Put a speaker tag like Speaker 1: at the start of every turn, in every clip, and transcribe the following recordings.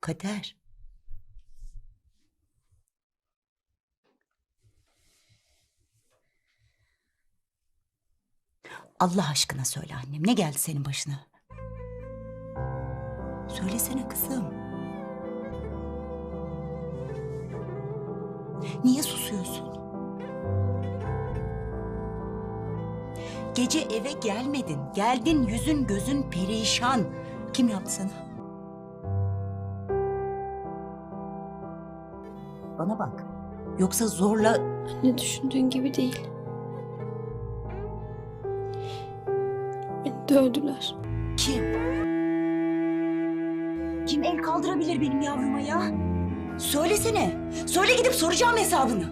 Speaker 1: Kader. Allah aşkına söyle annem, ne geldi senin başına? Söylesene kızım. Niye susuyorsun? Gece eve gelmedin. Geldin, yüzün gözün perişan. Kim yaptı sana? Bana bak. Yoksa zorla...
Speaker 2: Anne, düşündüğün gibi değil. Beni dövdüler.
Speaker 1: Kim? Kim el kaldırabilir benim yavruma ya? Söylesene. Söyle, gidip soracağım hesabını.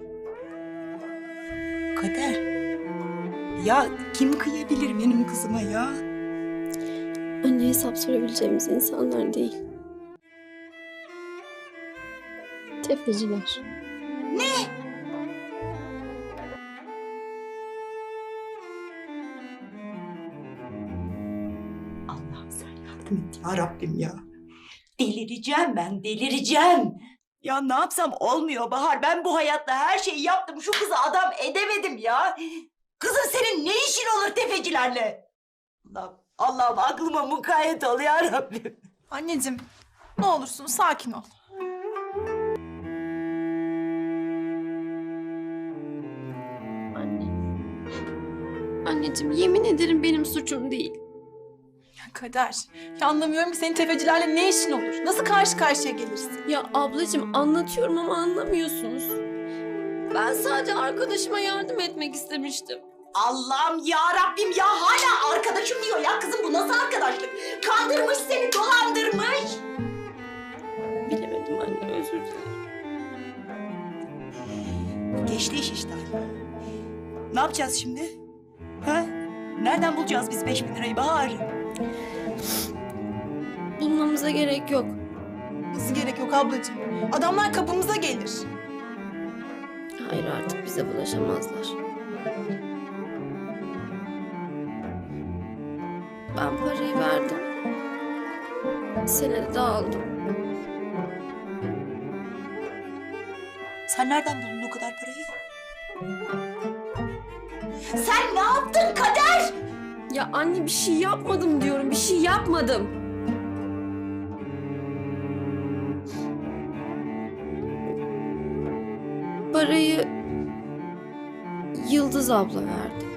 Speaker 1: Kader. Ya kim kıyabilir benim kızıma ya?
Speaker 2: Anne, hesap sorabileceğimiz insanlar değil. Tefeciler.
Speaker 1: Ne? Allah'ım sen yardım et ya Rabbim ya. Delireceğim ben, delireceğim. Ya ne yapsam olmuyor Bahar. Ben bu hayatta her şeyi yaptım. Şu kızı adam edemedim ya. Kızın senin ne işin olur tefecilerle? Allah'ım aklıma mukayyet ol ya Rabbim.
Speaker 3: Anneciğim, ne olursun sakin ol.
Speaker 2: Anne. Anneciğim, yemin ederim benim suçum değil.
Speaker 3: Ya Kader, ya anlamıyorum ki senin tefecilerle ne işin olur? Nasıl karşı karşıya gelirsin?
Speaker 2: Ya ablacığım, anlatıyorum ama anlamıyorsunuz. Ben sadece arkadaşıma yardım etmek istemiştim.
Speaker 1: Allah'ım ya Rabbim ya, hala arkadaşım diyor ya. Kızım bu nasıl arkadaşlık? Kandırmış seni, dolandırmış.
Speaker 2: Bilemedim anne, özür dilerim.
Speaker 1: Geçti iş işte. Ne yapacağız şimdi? Ha? Nereden bulacağız biz 5.000 lirayı Bahar?
Speaker 2: Bulmamıza gerek yok.
Speaker 3: Nasıl gerek yok ablacığım? Adamlar kapımıza gelir.
Speaker 2: Hayır, artık bize bulaşamazlar. Ben parayı verdim. Senedi de aldım.
Speaker 1: Sen nereden buldun o kadar parayı? Sen ne yaptın Kader?
Speaker 2: Ya anne, bir şey yapmadım diyorum, bir şey yapmadım. Parayı Yıldız abla verdi.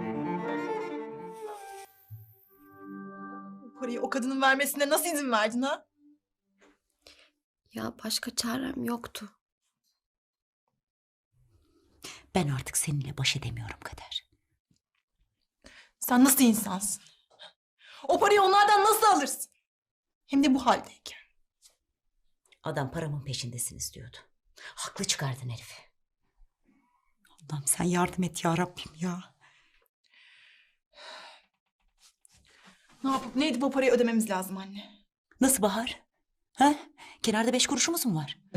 Speaker 3: Bu parayı o kadının vermesine nasıl izin verdin ha?
Speaker 2: Ya başka çarem yoktu.
Speaker 1: Ben artık seninle baş edemiyorum Kader.
Speaker 3: Sen nasıl insansın? O parayı onlardan nasıl alırsın? Hem de bu haldeyken.
Speaker 1: Adam paramın peşindesiniz diyordu. Haklı çıkardın herifi. Allah'ım sen yardım et ya Rabbim ya.
Speaker 3: Ne yapıp ne edip o parayı ödememiz lazım anne.
Speaker 1: Nasıl Bahar? Ha? Kenarda 5 kuruşumuz mu var?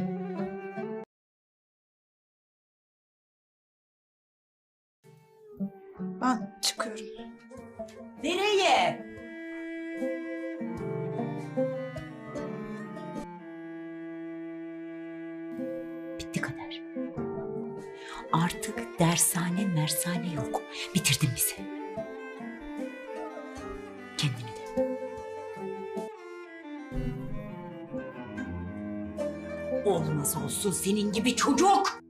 Speaker 3: Ben çıkıyorum.
Speaker 1: Nereye? Bitti Kader. Artık dershane mersane yok. Bitirdin bizi. Kendini de. Olmaz olsun senin gibi çocuk.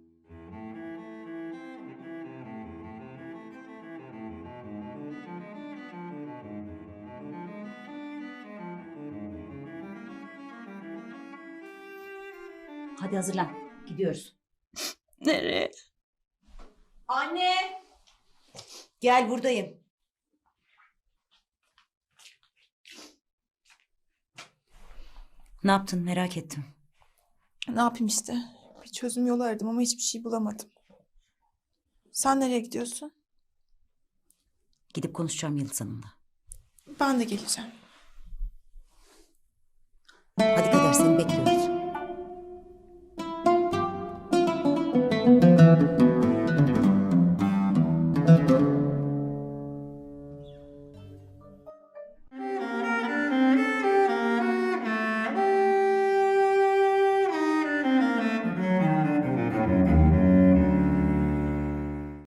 Speaker 1: Hadi hazırlan. Gidiyoruz.
Speaker 2: Nereye?
Speaker 1: Anne. Gel buradayım. Ne yaptın merak ettim.
Speaker 3: Ne yapayım işte? Bir çözüm yolu aradım ama hiçbir şey bulamadım. Sen nereye gidiyorsun?
Speaker 1: Gidip konuşacağım Yıldız Hanım'la.
Speaker 3: Ben de geleceğim.
Speaker 1: Hadi Kader seni bekliyoruz.